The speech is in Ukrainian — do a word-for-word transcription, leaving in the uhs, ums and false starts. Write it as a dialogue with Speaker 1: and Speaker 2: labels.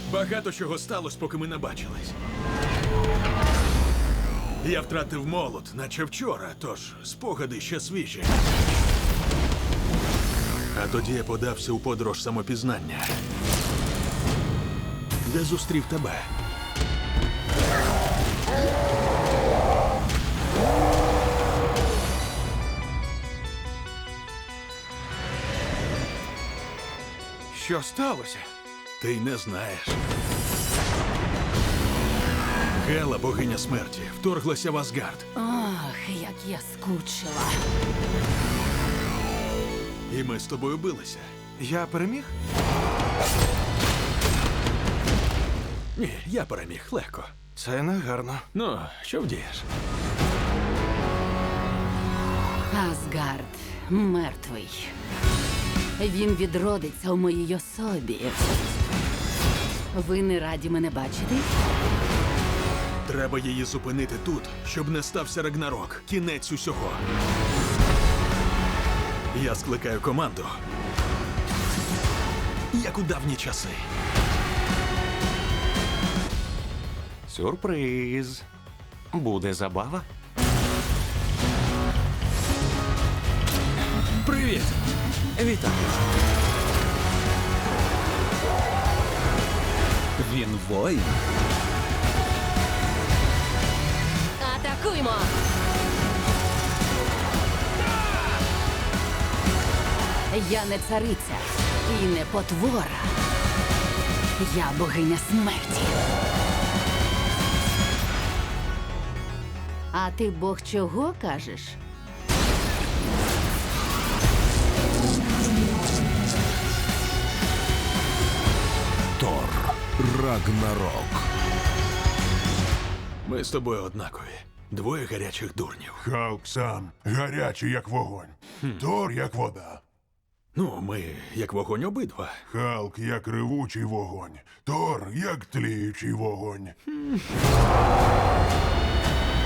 Speaker 1: Багато чого сталося, поки ми не бачились. Я втратив молот, наче вчора, тож спогади ще свіжі. А тоді я подався у подорож самопізнання, де зустрів тебе.
Speaker 2: Що сталося?
Speaker 1: Ти й не знаєш. Гела, богиня смерті, вторглася в Асгард.
Speaker 3: Ох, як я скучила.
Speaker 1: І ми з тобою билися.
Speaker 2: Я переміг?
Speaker 1: Ні, я переміг легко.
Speaker 2: Це не гарно.
Speaker 1: Ну, що вдієш?
Speaker 3: Асгард мертвий. Він відродиться у моїй особі. Ви не раді мене бачити?
Speaker 1: Треба її зупинити тут, щоб не стався Рагнарок. Кінець усього. Я скликаю команду. Як у давні часи.
Speaker 4: Сюрприз. Буде забава.
Speaker 1: Привіт!
Speaker 4: Вітаю. Він воїн.
Speaker 3: Атакуймо! Я не цариця і не потвора. Я богиня смерті. А ти бог чого кажеш?
Speaker 5: Тор Рагнарок.
Speaker 1: Ми з тобою однакові. Двоє гарячих дурнів.
Speaker 6: Халк сам гарячий, як вогонь. Тор, як вода.
Speaker 1: Ну, ми як вогонь обидва.
Speaker 6: Халк, як ревучий вогонь. Тор, як тліючий вогонь.